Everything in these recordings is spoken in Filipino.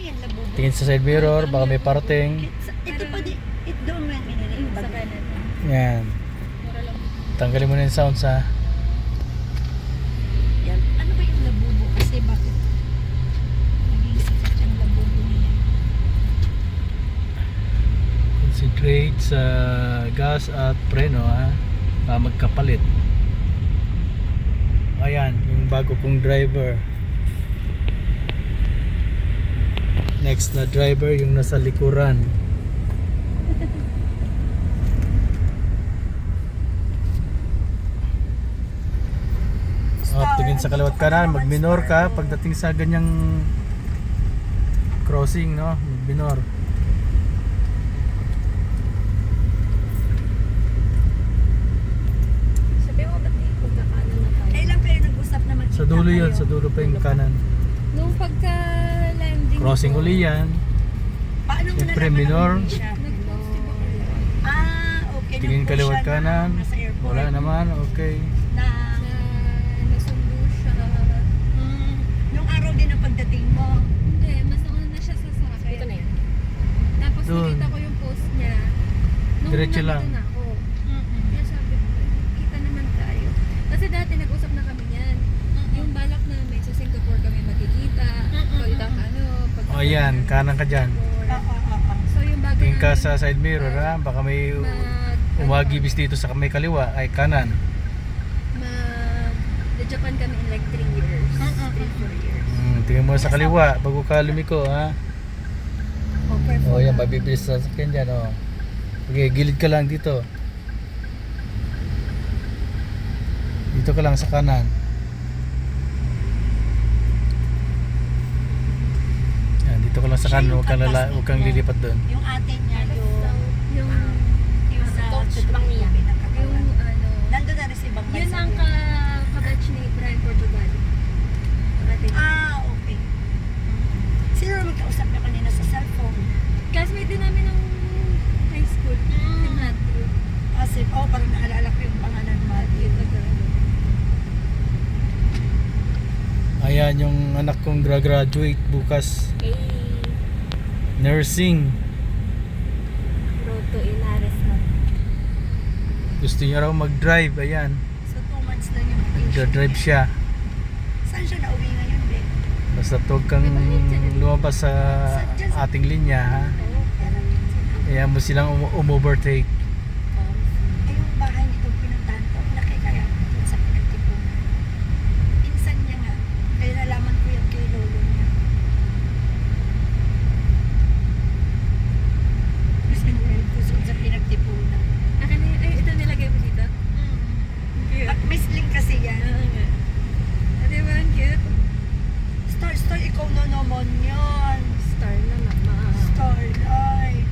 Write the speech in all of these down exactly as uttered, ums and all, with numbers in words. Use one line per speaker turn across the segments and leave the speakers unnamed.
yan, labubo.
Tingin sa side mirror, baka may parating.
Ito pa di, ito doon mo yan minili. Yung
Sa
bago.
kanan.
Yan.
Mura lang.
Tanggalin mo na yung sounds ha.
Yan. Ano ba yung labubo? Kasi bakit naging sikat yung labubo niya?
Concentrate sa gas at preno ha. Para magkapalit. Ayan, yung bago kong driver. Next na driver yung nasa likuran. Oh, tingin sa kaliwat kanan, mag-minor ka pagdating sa ganyang crossing, no? Mag-minor.
Sabi mo ba't eh, pagkakanan na tayo?
Kailan kayo nag-usap na magkita
Sa dulo yun,
kayo?
sa dulo pa yung kanan.
Nung pagka-landing
Crossing
ko,
uli yan.
Paano mo
Siyempre,
nalaman na
minor.
hindi siya?
nag-post di ba kayo?
Ah, okay.
Tingin
Nag-push
kaliwat
siya na
kanan.
nasa airport.
Wala naman, okay.
Na,
Na nasundo siya.
mm, nung araw din ang pagdating mo.
Hindi, mas nauna na siya sa sakay. Ito na yan. Tapos
Doon.
nakita ko yung post niya. Nung
Diretso
nandito
lang.
na ako.
Mm-mm.
Kaya sabi ko, kita naman tayo. Kasi dati nag-usap na kami yan. Yung balak namin, sa Singapore kami magkikita. Pagkitang ano, pag
O yan, kanan ka dyan.
Oo, oo, oo.
So yung bago
Tingin ka
namin,
sa side mirror ha. Baka may
mag,
umagibis dito sa may kaliwa ay kanan.
mag, the Japan kami in like three years.
Mm-mm.
three, four years.
Hmm, tingin mo sa kaliwa bago ka lumiko ha.
Okay,
O yan, mabibilis sa sakyan dyan o. Okay, gilid ka lang dito. Dito ka lang sa kanan. Yan, dito ka lang sa kanan. Huwag kang, lala, huwag kang lilipat doon.
Yung ate niya, yung...
Yung,
yung
sa
sa
coach
tutulong
lang niya.
yung
yung
pinakatawan.
ano,
Nandun na rin si Bang
yun ang ka, kabatch ni Brian Portugal. Ate.
Ah, okay. Sino naman kausap niya kanina sa cellphone?
Classmate din namin ng high school. Si Matthew.
Kasi, oh, parang naalala ko yung pangalan mo.
Matthew.
Ayan yung anak kong gra-graduate bukas.
Hey.
Nursing.
Road to Inares na.
Gusto niya raw mag-drive. Ayan.
So, two months lang yung vacation.
Nagdra-drive siya.
Saan siya nauwi ngayon, Be?
Basta huwag kang lumabas sa ating linya ha. Kaya mo silang um- um-overtake.
Eh, yung bahay nitong pinuntahan ko, laki kaya dun sa pinagtipunan. Pinsan niya nga. Kaya nalaman ko yan kay lolo niya. Mas pinulit ko doon sa pinagtipunan.
Akin na yun. Ay, ito nilagay mo dito? Cute.
At misling kasi yan.
Oo nga. Ah, diba? Ang cute.
Star, star, ikaw na naman yan.
Star na naman.
Starlight.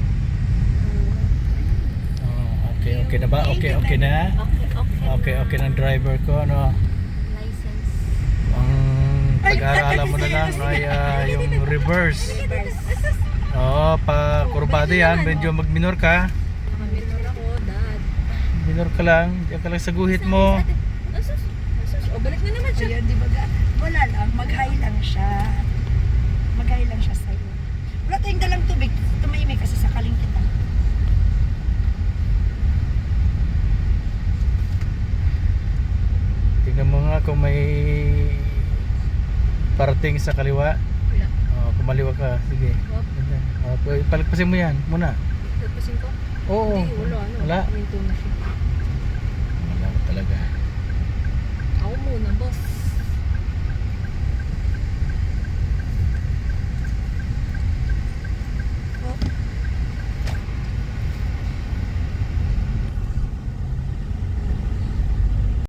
Oh, okay, okay na ba? Okay, okay na.
Okay, okay.
Okay, okay ng driver ko. Ano?
License.
Ang pag-aaralan mo na lang ay ah, yung reverse. Oo, pa kurbada yan. Medyo mag-minor ka.
Nakaminor ako, dad.
Minor ka lang. Diyan ka lang sa guhit mo.
Asus, asus. O, balik na naman siya.
Ayan, di ba? ga- Wala lang, mag-high lang siya. Mag-high lang siya sa'yo. Wala tayong dalang tubig. Tumahimik kasi sakaling kita.
Tingnan mo nga kung may parating sa kaliwa.
Wala.
Oh, kumaliwa ka. Sige.
Wap.
Ganda. Oh, palagpasin mo yan muna.
Pagpasin ko?
Oo.
Hindi, wala. Ano?
Wala.
Minto na siya.
Wala talaga.
Ako muna, boss.